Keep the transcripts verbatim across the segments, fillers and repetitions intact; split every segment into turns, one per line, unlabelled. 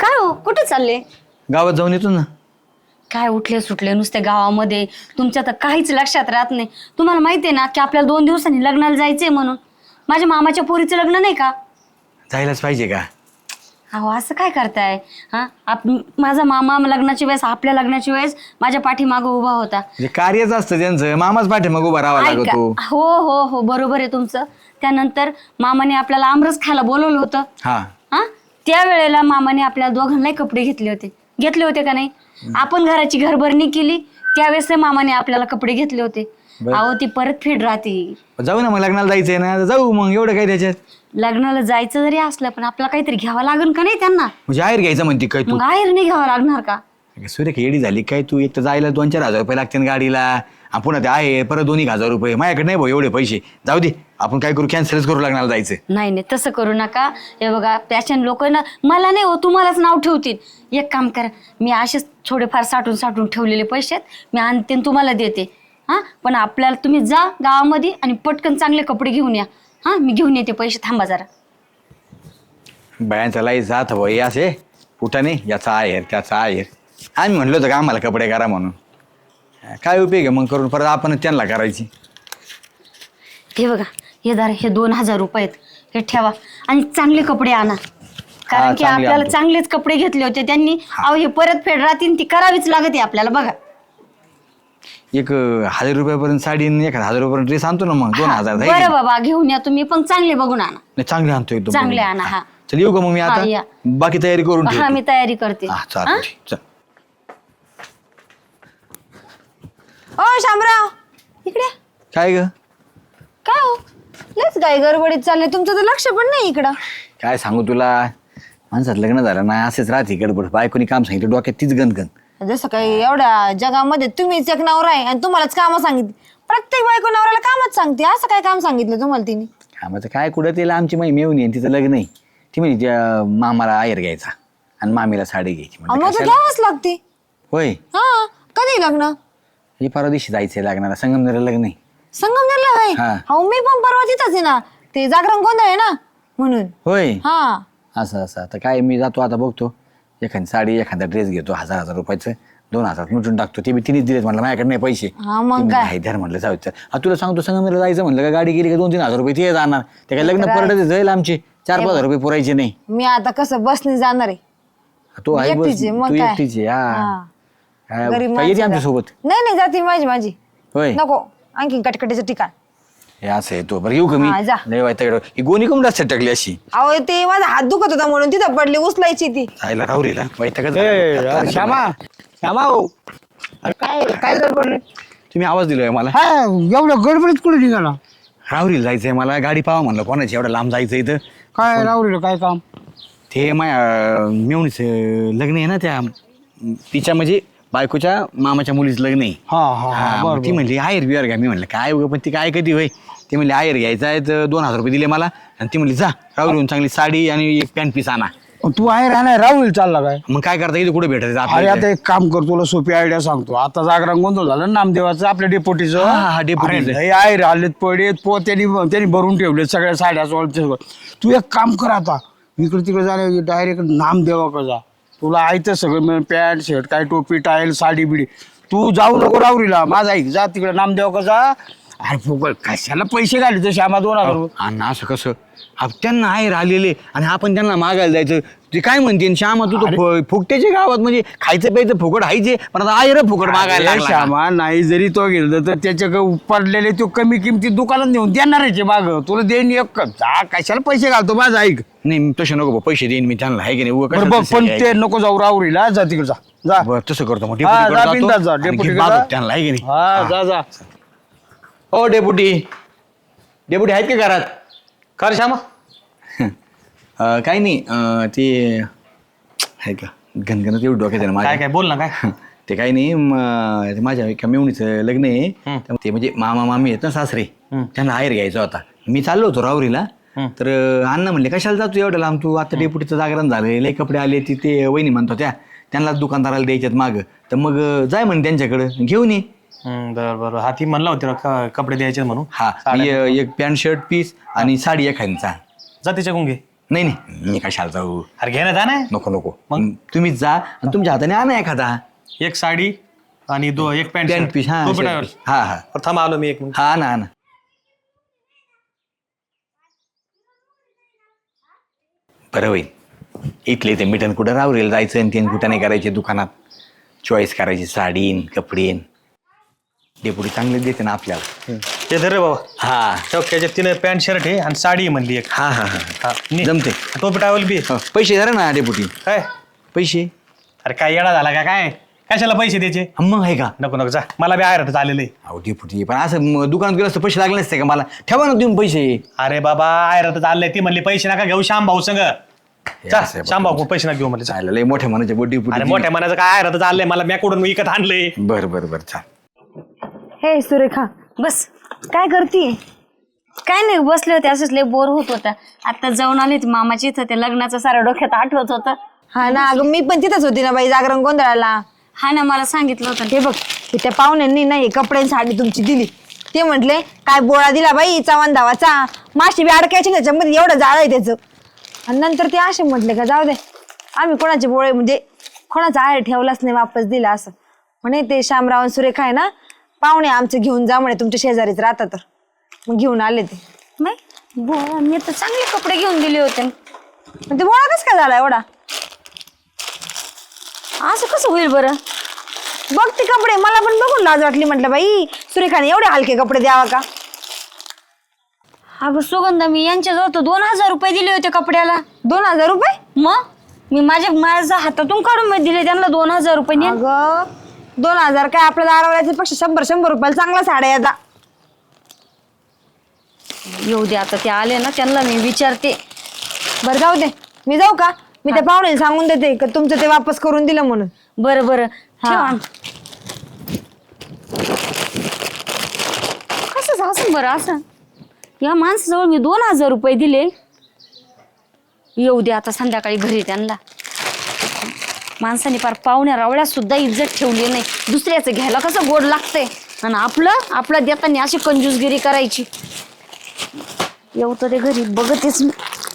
काय हो कुठे चालले?
गावात जाऊन येतो ना.
काय उठले सुटले नुसते गावामध्ये, तुमच्या तर काहीच लक्षात राहत नाही. तुम्हाला माहितीये ना की आपल्याला दोन दिवसांनी लग्नाला जायचंय म्हणून. माझ्या मामाच्या पोरीचं लग्न नाही का?
जायलाच पाहिजे का?
अहो असं काय करताय हा? आप माझा मामा लग्नाची वेळेस, आपल्या लग्नाची वेळेस माझ्या पाठीमागं उभा होता.
म्हणजे कार्यच असतं त्यांचं, मामाच पाठे मग उभा राहावा
ऐका,
लागतो.
हो हो हो बरोबर आहे तुमचं. त्यानंतर मामाने आपल्याला आमरस खायला बोलवलं होतं.
हा
हा त्या वेळेला मामाने आपल्याला दोघांनाही कपडे घेतले होते. घेतले होते का नाही? आपण घराची घरभरणी केली त्यावेळेस मामाने आपल्याला कपडे घेतले होते. अहो ती परत फेड राहते.
जाऊ ना मग, लग्नाला जायचंय ना, जाऊ मग. एवढं काय त्याच्यात?
लग्नाला जायचं जरी असलं पण आपल्याला काहीतरी घ्यावं लागेल का नाही त्यांना?
म्हणजे आहेर घ्यायचं म्हणते काय तू?
मग आहेर नाही घ्यावं लागणार का?
सूर्य येडी झाली काय तू? एक तर जायला दोन चार हजार रुपये लागतील गाडीला, आणि पुन्हा ते आहे परत दोन एक हजार रुपये. माझ्याकडे नाही भाऊ एवढे पैसे. जाऊ दे, आपण काय करू, कॅन्सलच करू लग्नाला जायचं.
नाही नाही तसं करू नका. हे बघा पॅशन लोक ना, मला नाही हो तुम्हालाच नाव ठेवतील. एक काम करा, मी असेच थोडेफार साठून साठून ठेवलेले पैसे मी आणते आणि तुम्हाला देते. हा पण आपल्याला तुम्ही जा गावामध्ये आणि पटकन चांगले कपडे घेऊन या. हा मी घेऊन येते पैसे, थांबा जरा.
बायांचा लाई जात भाई असे कुठाने, याचा आहेर त्याचा आहेर. आम्ही म्हणलो होतं का आम्हाला कपडे करा म्हणून. काय उपयोग आहे मग करून, परत आपण त्यांना करायची.
हे बघा हे दार हे दोन हजार रुपये आहेत, हे ठेवा आणि चांगले कपडे आणा. कारण की
चांगले
आपल्याला
आणतो.
चांगलेच कपडे घेतले होते त्यांनी. अहो हे परत फेड राहतील, ती करावीच लागत आहे आपल्याला. बघा
एक अं, हजार रुपयापर्यंत साडी आणि एक हजार रुपयापर्यंत ड्रेस आणतो ना मग. दोन हजार जाईल.
बरं बाबा घेऊन या तुम्ही, पण चांगले बघून आणा.
नाही, चांगले आणतो एकदम.
चांगले आणा. हा
चल येऊ का मग मी
हा, या.
आता? बाकी तयारी करून
हा
ठेवतो.
मी तयारी करते.
हा
हा?
चालेल, चल.
ओ शामराव इकडे.
काय ग?
काय हो लयच काय गडबडीत चालले, तुमचं तर लक्ष पण नाही इकडं.
काय सांगू तुला, माणसात लग्न झालं ना असेच राहते गडबड. बायकोनी काम सांगितलं डोक्यात तीच गणगण.
जसं काही एवढ्या जगामध्ये तुम्हीच एक नवरा आहे आणि तुम्हालाच कामं सांगितली. प्रत्येक बायको नवऱ्याला कामच सांगते. असं काय काम सांगितलं तुम्हाला तिने?
कामाचं काय, कुठं तिला आमची माई मेवून येईन, तिचं लग्न आहे. ती म्हणजे त्या मामाला आहेर घ्यायचा आणि मामीला साडी घ्यायची.
अहो,
म्हणलं
मग तर
कशाला?
घ्यावंच लागते.
होय,
हा कधी लग्न?
हे परवा दिवशी जायचंय लग्नाला, संगमनेर लग्न आहे.
संगमनेरला आहे?
हा.
हो मी पण परवा तिथंच आहे ना, ते जागरण गोंधळ आहे ना म्हणून.
होय,
हा
असं असं. आता काय, मी जातो आता बघतो, एखादी साडी एखादा ड्रेस घेतो हजार हजार रुपयाचं, दोन हजार मिटून टाकतो. ते बी तिनेच दिलेत म्हणलं, माझ्याकडे नाही पैसे.
हा, मग काय?
हैदर म्हणलं जाऊ दे. हा तुला सांगतो, संगमनेरला जायचं म्हणलं का गाडी गेली का दोन तीन हजार रुपये ते जाणार. ते काय लग्न परत जाईल आमचे, चार पाच हजार रुपये पुरायचे नाही.
मी आता कसं बसने जाणार आहे.
तो आहे बस,
एकटीच आहे, मग
तू
काय?
एकटीच आहे. हा,
हा.
काय
गरीब
काय येते
माणसं
आमच्या
जा.
सोबत?
नाही नाही जाते माझी माझी.
होय,
नको आणखी कटकटीचं ठिकाण.
हे असं आहे. तो बरं येऊ का मी?
हा, जा.
लय वाईट ही गोणी कमी जास्त टाकली अशी.
अहो ते माझा हात दुखत होता म्हणून तिथं पडली, उचलायची ती.
जायला राहू रे वाईट
श्यामा श्यामा हो, अरे काय काय गडबड?
तुम्ही आवाज दिलोय मला.
हा एवढं गडबडीत कुठे निघाला?
राहुरीला जायचंय मला, गाडी पाहा म्हणलं कोणाची, एवढं लांब जायचं इथं.
काय राहुरीला काय काम?
ते माझ्या मेवणीच लग्न आहे ना, त्या तिच्या म्हणजे बायकोच्या मामाच्या मुलीचं लग्न आहे.
हा हा
हा,
हा
मग
बरं
ती म्हणली आहेर बिहार घ्या. मी म्हणलं काय उगं, पण ती काय कधी होय. ती म्हणली आहेर घ्यायचा आहे तर दोन हजार रुपये दिले मला, आणि ती म्हणली जा राहुरीहून चांगली साडी आणि एक पॅन्ट पीस आणा.
बरं. तू आहे राहणार राहुरीला चालला काय?
मग काय करता, इथे कुठे भेटायचं
अरे
आपल्याला?
आता एक काम कर, तुला सोपी आयडिया सांगतो. आता जागरण गोंधळ झालं नामदेवाचं, आपल्या डेपोटीचं.
हा, हा, डेपुटीचं.
अरे, लय आहे राहिलेत पडेत पो त्यांनी त्यांनी भरून ठेवले सगळ्या साड्या सोळच्या. तू एक काम कर, आता इकडे तिकडे जाण्या डायरेक्ट नामदेवाकडे जा. तुला आयतं सगळं मिळेल, पॅन्ट शर्ट काय टोपी टायल साडी बिडी. तू जाऊ नको राहुरीला, माझा ऐक, जा तिकडे नामदेवाकडे जा. अरे फुकट कशाला पैसे घाले तर श्यामा दोन हजार रुपये.
अण्णा असं कसं, आप त्यांना आहेर आलेले आणि आपण त्यांना मागायला जायचं. ते काय म्हणते श्यामा, तू तो फुकट्याच्या गावात म्हणजे खायचं प्यायचं फुकट हायचे, पण आता आहेर फुकट मागायला
अरे
लागला का?
श्यामा, नाही जरी तो गेलं तर त्याच्या पडलेले तो कमी किमतीत दुकानात नेऊन देणार आहे माग. तुला देईन एक, जा कशाला पैसे घालतो माझा ऐक.
नाही तसं नको भाऊ, पैसे देईन मी त्यांना, आहे की नाही उगाच
बरं
कशाला
बघ, पण
पैसे
ते
द्यायचे?
नको जाऊ राहुरीला, जा तिकडे जा जा.
बरं तसं करतो मग,
हा,
डेपुटीकडे
जा बिनधास्त जा,
जातो आणि
डेपुटीकडे
घेऊन
जा.
बाजूत त्यांना, आहे की नाही?
हा जा जा.
हो डेपुटी, डेपुटी आहेत का घरात?
कर श्यामा.
अं, काही नाही, अं, ते आहे का घनघनच एवढं डोक्यात आहे ना
काय
माझ्या.
काय बोल ना काय.
ते काही नाही, म- ते माझ्या एका मेवणीचं लग्न आहे. त्यामुळे ते म्हणजे मामा मामी आहेत ना सासरे, त्यांना आहेर घ्यायचा होता. मी चाललो होतो राहुरीला, तर अं, अण्णा म्हणले कशाला जातो एवढं लांब तू, आता डेपुटीचं जागरण झालं, लय कपडे आले, तिथे वहिनी म्हणतो त्या त्यांना दुकानदाराला द्यायच्यात मागं, तर मग अं, जाय म्हणे त्यांच्याकडं घेऊन ये.
हम्म, बरं बरं. हा ती म्हणला होती ना क- कपडे द्यायचे म्हणून.
हा, मी, अं, एक पॅन्ट शर्ट पीस आणि साडी एखादीचा.
जा तिच्याकडून घे.
नाही नाही मी कशाला जाऊ.
अरे घे ना जा ना.
नको नको मग तुम्हीच जा आणि तुमच्या हाताने आणा एखादा
एक साडी आणि दो एक पॅन्ट
पॅन्ट पीस. हा
टोपी
shirt
टावर.
piece. हा हा
बरं, थांब आलो मी एक मिनिट.
हा ना ना बरं होईल. इथले ते मिठन कुठं रावरेल जायचं आणि तीन कुठं नाही करायचे दुकानात चॉईस करायची साडीन कपडेन. डेपुटी चांगले देते ना आपल्याला.
ते धर रे बाबा.
हा
ठेव, त्याच्यात तिने पॅन्ट शर्ट आहे आणि साडी आहे म्हणली एक.
हा हा हा
हा, नी.
जमते.
टोपी टावल बी.
हो, पैसे धरा ना डेपुटी.
काय
पैसे
अरे काय येडा झाला का काय? कशाला पैसे द्यायचे?
मग आहे का.
नको नको जा, मला बी आयरट आलेलं आहे.
अहो डेपुटी पण असं म- दुकानात गेलं असतं पैसे लागले नसते का मला. ठेवा ना तुम्ही पैसे.
अरे बाबा आयरट आलंय ती म्हणली पैसे नका घेऊ श्याम भाऊ संग. जा
असं आहे
श्याम भाऊ पैसे नका घेऊ म्हणजे.
चालेल लय मोठ्या मनाचे बड्डी
अरे मोठ्या मनाचं काय आयरट आलंय मला मॅकडून विकत आणलंय.
बर बर बर चाल.
हे सुरेखा
बस
काय करते?
काय नाही बसले होते असंच लय बोर होत होतं. आता जाऊन आले होते मामाच्या इथं ते लग्नाचं सारं डोक्यात आठवत होतं.
हा ना अगं मी पण तिथंच होती ना बाई जागरण गोंधळाला.
हा ना मला सांगितलं होतं.
हे बघ हे त्या पाहुण्यांनी नाही कपडे आणि साडी तुमची दिली. ते म्हटले काय बोळा दिला बाई चव्हाण धावाचा माशी बी अडकायची त्याच्यामध्ये एवढं जाळ आहे त्याचं. आणि नंतर ते असे म्हटले का जाऊ दे आम्ही कोणाचे बोळे म्हणजे कोणाचा आहे ठेवलाच नाही वापस दिला असं म्हणे. ते शामराव आणि सुरेखा आहे ना पाहुणे आमचे घेऊन जा म्हणे तुमच्या शेजारीच राहतात तर मग घेऊन आले ते.
बाई बोला मी तर चांगले कपडे घेऊन दिले होते.
पण ते बोळा कसं काय झाला एवढा?
असं कसं होईल बरं?
बघ ते कपडे मला पण बघून लाज वाटली. म्हटलं बाई सुरेखाने एवढे हलके कपडे द्यावा का?
अगं सुगंधा मी यांच्याजवळ तर दोन हजार रुपये दिले होते कपड्याला.
दोन हजार रुपये?
मग मी माझ्या माझ्या हातातून काढून मी दिले त्यांना दोन हजार रुपये. ने.
अगं दोन हजार काय आपल्याला अडवल्याच्या पेक्षा शंभर शंभर रुपयाला चांगला साड्या येतात.
येऊ दे आता ते आले ना त्यांना मी विचारते.
बरं जाऊ दे मी जाऊ का? मी त्या पाहुण्याला सांगून देते का तुमचं ते वापस करून दिलं म्हणून.
बरं बरं ठेवा. कसं असं बरं असं या माणसाजवळ मी दोन हजार रुपये दिले. येऊ दे आता संध्याकाळी घरी त्यांना. माणसाने फार पाहुण्या रावळ्या सुद्धा इज्जत ठेवली नाही. दुसऱ्याचं घ्यायला कसं गोड लागतंय आणि आपलं आपलं देताना अशी कंजूसगिरी करायची. येऊ तर ते घरी बघतेच मी.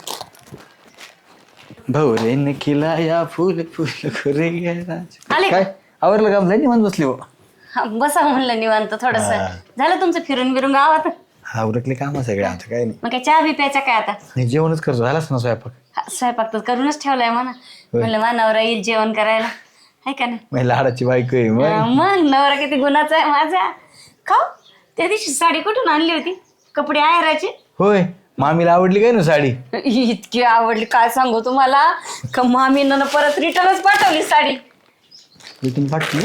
भवरेन खिलाया फुल फुल खुरे
आले.
काय आवरलं काम नाही निवांत बसली हो.
हा, बसा म्हणलं निवांत थोडस. झालं तुमचं फिरून बिरून गावात?
हा उरकले काम सगळे आमचं काय नाही.
मग काय चहा बी प्यायचा काय आता?
नाही जेवणच करतो झालाच ना स्वयंपाक.
हा, स्वयंपाक तर करूनच ठेवलाय म्हणा. म्हणलं मा नवरा येईल जेवण करायला आहे का नाही.
माझी लाडाची बायको आहे मग.
हा, मग नवरा किती गुणाचा आहे माझा. खाऊ त्या दिवशी साडी कुठून आणली होती? कपडे आहेराचे.
होय मामीला आवडली काय ना साडी.
इतकी आवडली काय सांगू तुम्हाला का मामीनं परत रिटर्नच पाठवली साडी.
इथून पाठवली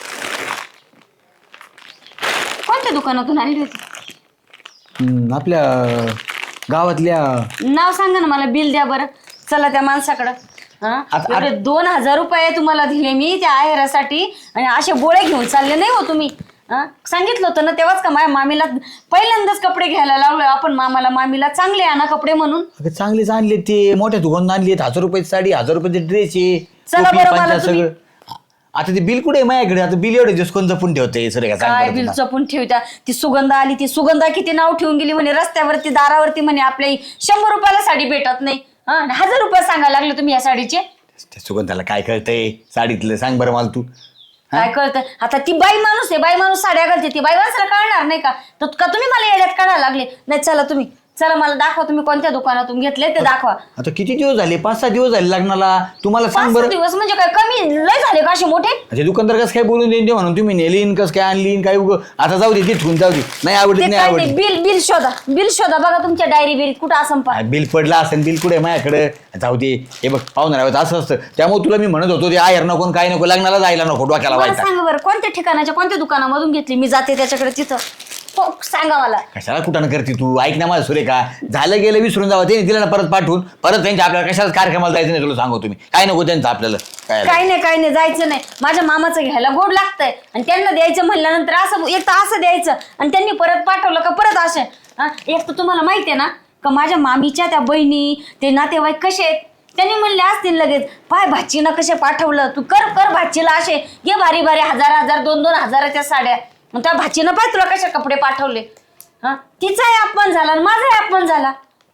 कोणत्या दुकानातून आणली होती?
हम्म, आपल्या गावातल्या.
नाव सांगा ना मला. बिल द्या बरं. चला त्या माणसाकडं. हा
आता-
एवढे दोन हजार रुपये तुम्हाला दिले मी त्या आहेरासाठी आणि असे गोळे घेऊन चालले नाही हो तुम्ही. हा सांगितलं होतं ना तेव्हाच का माझ्या मामीला पहिल्यांदाच कपडे घ्यायला लावलं आपण मामाला मामीला चांगले आणा कपडे म्हणून.
अगं चांगलेच आणले ते मोठ्या दुकानात आणली हजार रुपयाची साडी हजार रुपयाचे ड्रेस आहे
चला
टोपी,
बरं, मला
पंचा
तुम्ही-
सगळं. आता ते बिल कुठे आहे माझ्याकडे. आता बिल एवढे दिवस कोण जपून ठेवते सर
काय बिल जपून ठेवत्या. ती सुगंधा आली ती सुगंधा किती नाव ठेवून गेली म्हणे रस्त्यावरती दारावरती म्हणे आपल्या शंभर रुपयाला साडी भेटत नाही. हा हजार रुपये सांगायला लागले तुम्ही या साडीचे.
सुगंधाला काय कळतंय साडीतलं सांग बरं मला तू.
काय कळतं आता. ती बाई माणूस आहे. बाई माणूस साड्या घालते. ती बाई माणसाला कळणार नाही का? तर का तुम्ही मला येड्यात काढायला लागले. नाही चला तुम्ही चला मला दाखवा तुम्ही कोणत्या दुकानातून घेतले ते दाखवा.
आता किती दिवस झाले पाच सहा दिवस झाले लग्नाला तुम्हाला
पाच
सांग
सहा
बरं.
दिवस म्हणजे काय कमी लय झाले का असे मोठे?
अच्छा दुकानदार कसं काय बोलून देईन ते म्हणून तुम्ही नेलीन कसं काय आणलीन काय उगं आता जाऊ दे तिथून जाऊ दे. नाही आवडली
ते
नाही
काय
आवडली.
ते बिल बिल शोधा. बिल शोधा बघा तुमच्या डायरी बिरीत कुठं असं पा.
बिल पडलं असेल बिल कुठे माझ्याकडे. जाऊ दे हे बघ पाहुणार आहोत असं असतं त्यामुळे तुला मी म्हणत होतो ते आयर नको काय नको लग्नाला जायला नको डोक्याला
मला
व्हायचा.
सांगा बरं कोणत्या ठिकाणाच्या कोणत्या दुकानामधून घेतली? मी जाते त्याच्याकडे तिथं. हो सांगा मला.
कशाला कुठं करते तू ऐक ना माझं सुरेखा झालं गेलं विसरून जावं ते दिलं ना परत पाठवून परत त्यांच्या आपल्याला कशाला कार्यक्रमाला जायचं नाही तुला सांगू तुम्ही काय नको त्यांचं आपल्याला काय
काही नाही काही नाही जायचं नाही. माझ्या मामाचं घ्यायला गोड लागतंय आणि त्यांना द्यायचं म्हणल्यानंतर असं एक तर असं द्यायचं आणि त्यांनी परत पाठवलं का परत असे. हा एक तर तुम्हाला माहिती आहे ना का माझ्या मामीच्या त्या बहिणी ते नातेवाईक कसे आहेत. त्यांनी म्हणले असतील लगेच पाय भाचीनं कसे पाठवलं तू कर कर भाचीला असे घे भारी भारी हजार हजार दोन दोन हजाराच्या साड्या. मग त्या भाचीनं पाय तुला कशा कपडे पाठवले. हा तिचाही अपमान झाला आणि माझाही अपमान झाला.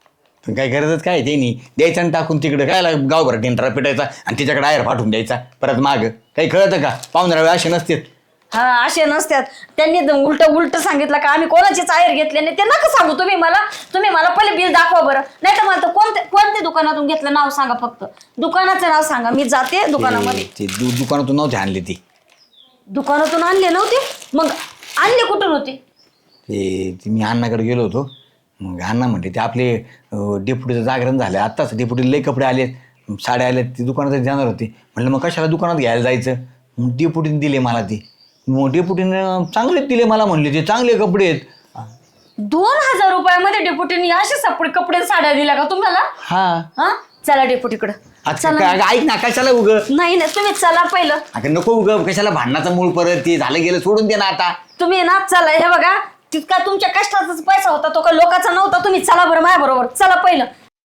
काय गरजच काय त्यांनी द्यायचं आणि टाकून तिकडे काय गावभर टेंटरा पिटायचा आणि तिच्याकडे आयर पाठवून द्यायचा परत माग काही कळतं का पाहुणा वेळ असे नसते.
हा असे नसतात. त्यांनी उलट उलट सांगितलं का आम्ही कोणाचीच आयर घेतले नाही. ते नका सांगू तुम्ही मला. तुम्ही मला पहिले बिल दाखवा बरं. नाही तर मला तर कोणते कोणत्या दुकानातून घेतलं नाव सांगा. फक्त दुकानाचं नाव सांगा. मी जाते दुकानामध्ये.
ते दु- दुकानातून नव्हते आणले ती
दुकानातून आणले नव्हते मग आणले कुठून होते?
ते ते मी अण्णाकडे गेलो होतो. मग अण्णा म्हणते ते आपले अं, डेपुटीचं जागरण झालं आत्ताच डेपुटीला लई कपडे आले साड्या आल्या ते दुकानात जाणार होते. म्हणलं मग कशाला दुकानात घ्यायला जायचं. मग डेपुटीने दिले मला ते. मग डेपुटीनं चांगलेच दिले मला म्हणले ते चांगले कपडे आहेत.
दोन हजार रुपयामध्ये डेपुटीने असे सपडे कपडे साड्या दिल्या का तुम्हाला?
हा
हा चला डेपुटीकडे.
अच्छा काय ऐक ना कशाला उग
नाही नाही तुम्ही चला पहिलं.
अगं नको उग कशाला भांडणाचा मूळ परत ते झालं गेलं सोडून दे ना आता.
तुम्ही ना चला. हे बघा तितका तुमच्या कष्टाचाच पैसा होता तो का लोकांचा नव्हता. तुम्ही चला बरं माझ्या बरोबर. चला पहिलं.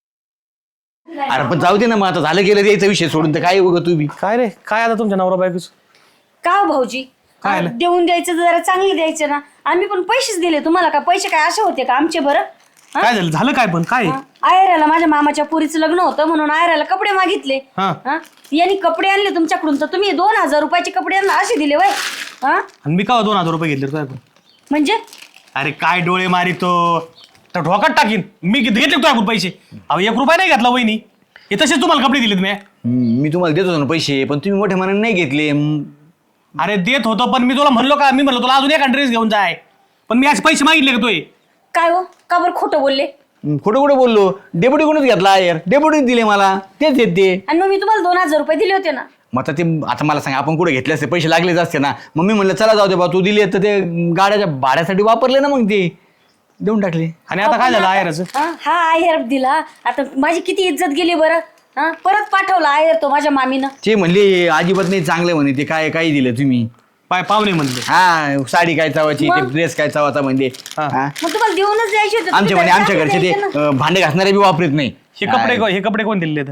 अरे पण जाऊ दे ना मग आता झालं गेलं द्यायचा विषय सोडून तर काय उग तू बी.
काय रे काय आता तुमच्या नवरा बायकोच
का हो भाऊजी?
काय
हा,
आलं?
देऊन द्यायचं जरा चांगले द्यायचे ना. आम्ही पण पैसेच दिले तुम्हाला. का पैसे काय असे होते का आमचे बरं? हा?
काय झालं झालं काय पण काय
हा, आयराला माझ्या मामाच्या पुरीचं लग्न होतं म्हणून आयराला कपडे मागितले.
हा.
हा? यांनी कपडे आणले तुमच्याकडून तर तुम्ही दोन हजार रुपयाचे कपडे यांना असे दिले वय. हा
आणि मी का दोन हजार रुपये घेतले काय पण
म्हणजे
अरे काय डोळे मारितो तर ढोकात टाकीन मी किती घेतले तो आपण पैसे अहो एक रुपया नाही घातला वहिनी हे तसेच तुम्हाला कपडे दिलेत मी
हम्म, मी तुम्हाला देत होतो ना पैसे पण तुम्ही मोठ्या मनाने नाही घेतले. हम्म,
अरे देत होतो पण मी तुला म्हणलो का मी म्हणलो तुला अजून एक ड्रेस घेऊन जाय पण मी आज पैसे मागितले का तोय
काय हो का बरं खोटं बोलले?
खोटं खोटं बोललो. डेप्युटी कोणच घेतला यार डेप्युटीने दिले मला तेच देत ते.
आणि मग मी तुम्हाला दोन हजार रुपये दिले होते ना.
मग आता ते आता मला सांगा आपण कुठे घेतले असते पैसे लागलेच असते ना. मग मी म्हणलं चला जाऊ दे बा तू दिले तर ते गाड्याच्या भाड्यासाठी वापरले ना मग ते देऊन टाकले.
आणि आता काय झालं आयराचं
हा हा आयर दिला. आता माझी किती इज्जत गेली बरं. हा परत पाठवला आयर तो माझ्या मामीनं.
ते म्हणले अजिबात नाही चांगले म्हणे ते काय काही दिलं तुम्ही.
पाय पाहुणे म्हणले
हा साडी काय चावायची ते ड्रेस काय चावायचा म्हणजे
हा.
हा.
मग तुम्हाला देऊनच द्यायचे होते.
आमचे
तुम्ही
म्हणे आमच्या
त्याला
घरचे ते
द्यायचे ना.
अं, भांडे घासणारे बी वापरत नाही.
हे कपडे को- हे कपडे कोण दिले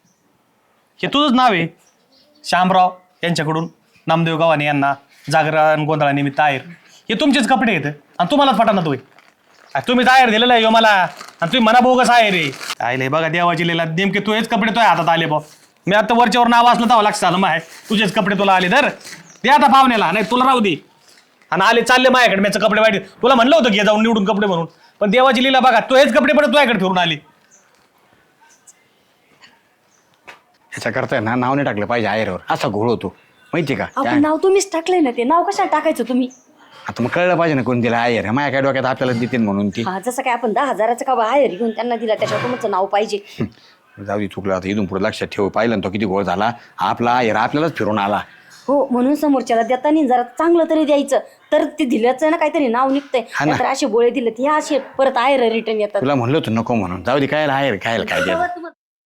हे तुझंच नाव आहे श्यामराव यांच्याकडून नामदेव गावाने यांना जागरण गोंधळानिमित्त आयर हे तुमचेच कपडे आहेत आणि तुम्हालाच पटाना तोय तुम्हीच आयर दिलेला आहे ह्यो मला आणि तुम्ही मना बोगस आहे रे आयले बघा देवाची लिला नेमके तू हेच कपडे तुझ्या हातात आले बा मी आता वरच्यावर नाव असलं तेव्हा लक्षात आलं माय तुझेच कपडे तुला आले तर दे आता पाहुण्याला नाही तुला राहू दे आणि आले चालले माझ्याकडे माझं कपडे वाईट तुला म्हणलं होतं घे जाऊन निवडून कपडे म्हणून पण देवाची लीला बघा तू हेच कपडे परत तुझ्याकडे फिरून आले
ह्याच्या करताय ना नाव नाही टाकलं पाहिजे आयरवर असा घोळ होतो माहिती का काय?
आपण नाव तुम्हीच टाकलंय ना. ते नाव कशाला टाकायचं तुम्ही?
आता मग कळलं पाहिजे ना कोण दिला आयर माझ्या काय डोक्यात आपल्याला देते म्हणून ती
हा जसं काय आपण दहा हजाराचं का आयर घेऊन त्यांना दिला त्याच्यावर तुमचं नाव पाहिजे.
जाऊ दे चुकलं आता इथून पुढे लक्षात ठेव पाहिलं ना तो किती घोळ झाला आपला आयर आपल्यालाच फिरून आला.
हो म्हणून समोरच्याला देताना जरा चांगलं तरी द्यायचं तर ते दिल्याचं ना काहीतरी नाव निघतंय.
हा ना.
नाहीतर असे गोळे दिले हे असे परत आयर रिटर्न येतात.
तुला म्हणलं होतं नको म्हणून जाऊ दे काय आयर काय काय द्यायचं.
तुम्हाला